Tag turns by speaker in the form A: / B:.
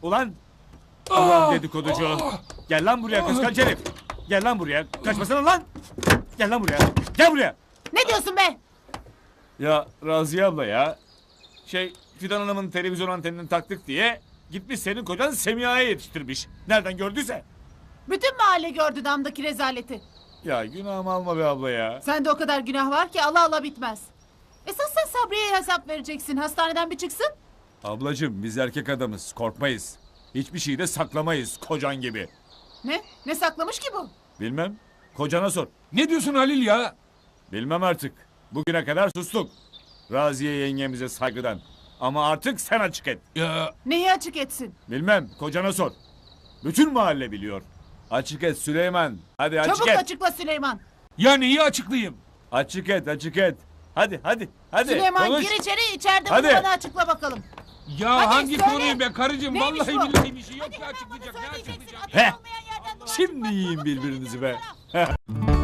A: Ulan! Ulan dedikoducu! Gel lan buraya kıskanç herif! Gel lan buraya! Kaçmasana lan! Gel lan buraya! Gel buraya!
B: Ne diyorsun be?
A: Ya Raziye abla ya. Fidan Hanım'ın televizyon antenini taktık diye gitmiş senin kocan Semiha'ya yetiştirmiş. Nereden gördüyse.
B: Bütün mahalle gördü damdaki rezaleti.
A: Ya günahımı alma be abla ya.
B: Sende o kadar günah var ki ala ala bitmez. Esas sen Sabriye'ye hesap vereceksin. Hastaneden bir çıksın.
A: Ablacığım biz erkek adamız, korkmayız. Hiçbir şeyi de saklamayız kocan gibi.
B: Ne? Ne saklamış ki bu?
A: Bilmem. Kocana sor.
C: Ne diyorsun Halil ya?
A: Bilmem artık. Bugüne kadar sustuk. Raziye yengemize saygıdan. Ama artık sen açık et.
C: Ya
B: Neyi açık etsin?
A: Bilmem. Kocana sor. Bütün mahalle biliyor. Açık et Süleyman. Hadi açık
B: Çabuk
A: et.
B: açıkla Süleyman.
C: ya neyi açıklayayım?
A: Açık et, açık et. Hadi, hadi, hadi.
B: Süleyman
A: konuş.
B: gir içeri, içeride
A: Hadi.
B: bunu bana açıkla bakalım.
C: Ya
B: Hadi
C: hangi
B: söyle.
C: konuyu be karıcığım?
B: Neymiş
C: Vallahi
B: bu?
C: billahi bir şey yok
B: Hadi
C: ya
B: hemen bana
C: açıklayacak. Ne
B: söyleyeceksin.
C: açıklayacak?
B: Adı
A: Heh.
B: olmayan yerden dolaşıp
A: Şimdi
B: bak,
A: yiyin
B: bak,
A: birbirinizi be.
B: söyleyeceksin bana.